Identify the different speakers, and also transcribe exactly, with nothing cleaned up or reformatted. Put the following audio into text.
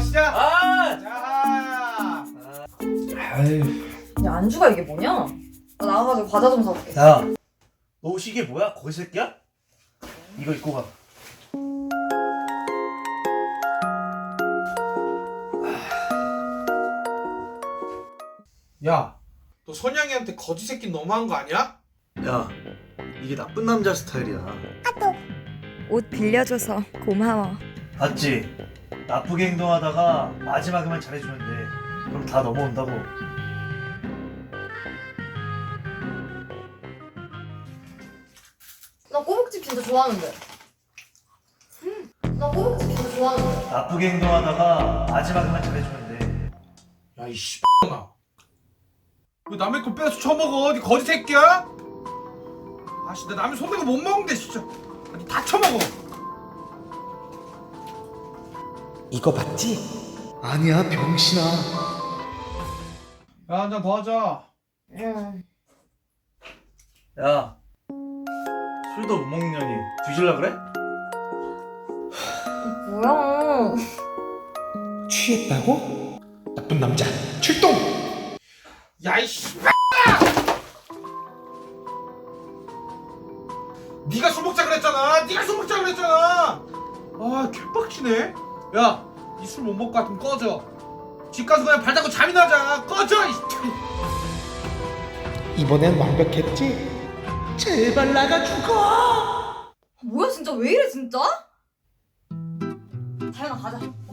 Speaker 1: 마시자.
Speaker 2: 아!
Speaker 1: 자.
Speaker 2: 아유.
Speaker 3: 야, 안주가 이게 뭐냐? 나 나가가지고 과자 좀 사올게.
Speaker 2: 야, 너 옷이 이게 뭐야? 거기 새끼야? 이거 입고 가.
Speaker 1: 야, 너 선양이한테 거지 새끼 너무한 거 아니야?
Speaker 2: 야, 이게 나쁜 남자 스타일이야.
Speaker 4: 옷 빌려줘서 고마워.
Speaker 2: 봤지? 나쁘게 행동하다가 마지막에만 잘해주면 돼. 그럼 다 넘어온다고.
Speaker 3: 나 꼬북집 진짜 좋아하는데. 음, 나 꼬북집 진짜 좋아하는데.
Speaker 2: 나쁘게 행동하다가 마지막에만 잘해주면 돼.
Speaker 1: 야, 이 씨X나. 왜 남의 거 빼서 처먹어? 니 거지 새끼야? 아씨, 나 남의 손대고 못 먹는데 진짜. 아, 니 다 처먹어.
Speaker 5: 이거 봤지?
Speaker 2: 아니야, 병신아.
Speaker 1: 야, 한 잔 더 하자.
Speaker 3: 응.
Speaker 2: 야, 술도 못 먹는 년이 뒤질라 그래?
Speaker 3: 뭐야?
Speaker 5: 취했다고? 나쁜 남자 출동!
Speaker 1: 야, 이 씨X나! 니가 술 먹자 그랬잖아. 니가 술 먹자 그랬잖아. 아, 개빡치네. 야, 니 술 못 먹고 같으면 꺼져. 집 가서 그냥 발 닦고 잠이나 하자. 꺼져. 이
Speaker 5: 이번엔 완벽했지? 제발 나가 죽어!
Speaker 3: 뭐야 진짜 왜 이래 진짜? 다현아 가자.